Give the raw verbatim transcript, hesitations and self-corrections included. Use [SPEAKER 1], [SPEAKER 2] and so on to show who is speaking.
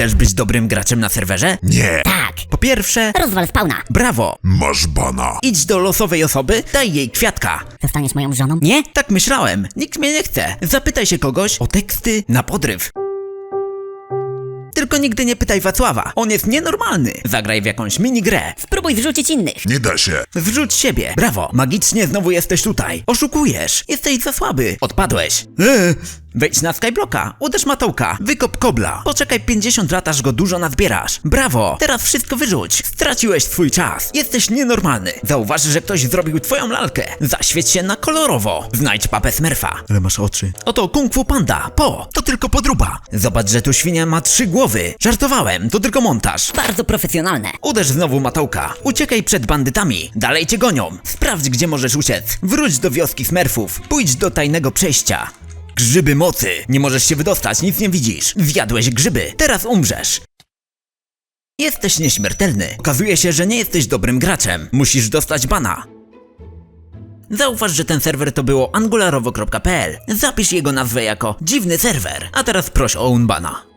[SPEAKER 1] Chcesz być dobrym graczem na serwerze?
[SPEAKER 2] Nie.
[SPEAKER 3] Tak.
[SPEAKER 1] Po pierwsze,
[SPEAKER 3] Rozwal spawna.
[SPEAKER 1] brawo.
[SPEAKER 2] Masz bana.
[SPEAKER 1] Idź do losowej osoby, daj jej kwiatka.
[SPEAKER 3] Zostaniesz moją żoną?
[SPEAKER 1] Nie? Tak myślałem. Nikt mnie nie chce. Zapytaj się kogoś o teksty na podryw. Tylko nigdy nie pytaj Wacława. On jest nienormalny. Zagraj w jakąś minigrę.
[SPEAKER 3] Spróbuj zrzucić innych.
[SPEAKER 2] Nie da się.
[SPEAKER 1] Zrzuć siebie. Brawo. Magicznie znowu jesteś tutaj. Oszukujesz. Jesteś za słaby. Odpadłeś. Eee. Wejdź na Skyblocka, uderz matołka, wykop kobla. Poczekaj pięćdziesiąt lat, aż go dużo nazbierasz. Brawo. Teraz wszystko wyrzuć. Straciłeś swój czas. Jesteś nienormalny. Zauważ, że ktoś zrobił twoją lalkę. Zaświeć się na kolorowo. Znajdź papę Smurfa. Ale masz oczy. Oto Kung Fu Panda. Po. To tylko podróba. Zobacz, że tu świnia ma trzy głowy. Żartowałem. To tylko montaż.
[SPEAKER 3] Bardzo profesjonalne.
[SPEAKER 1] Uderz znowu matołka. Uciekaj przed bandytami. Dalej cię gonią. Sprawdź, gdzie możesz uciec. Wróć do wioski Smurfów. Pójdź do tajnego przejścia. Grzyby mocy. Nie możesz się wydostać, nic nie widzisz. Zjadłeś grzyby. Teraz umrzesz. Jesteś nieśmiertelny. Okazuje się, że nie jesteś dobrym graczem. Musisz dostać bana. Zauważ, że ten serwer to było angularowo kropka p l. Zapisz jego nazwę jako dziwny serwer. A teraz proś o unbana.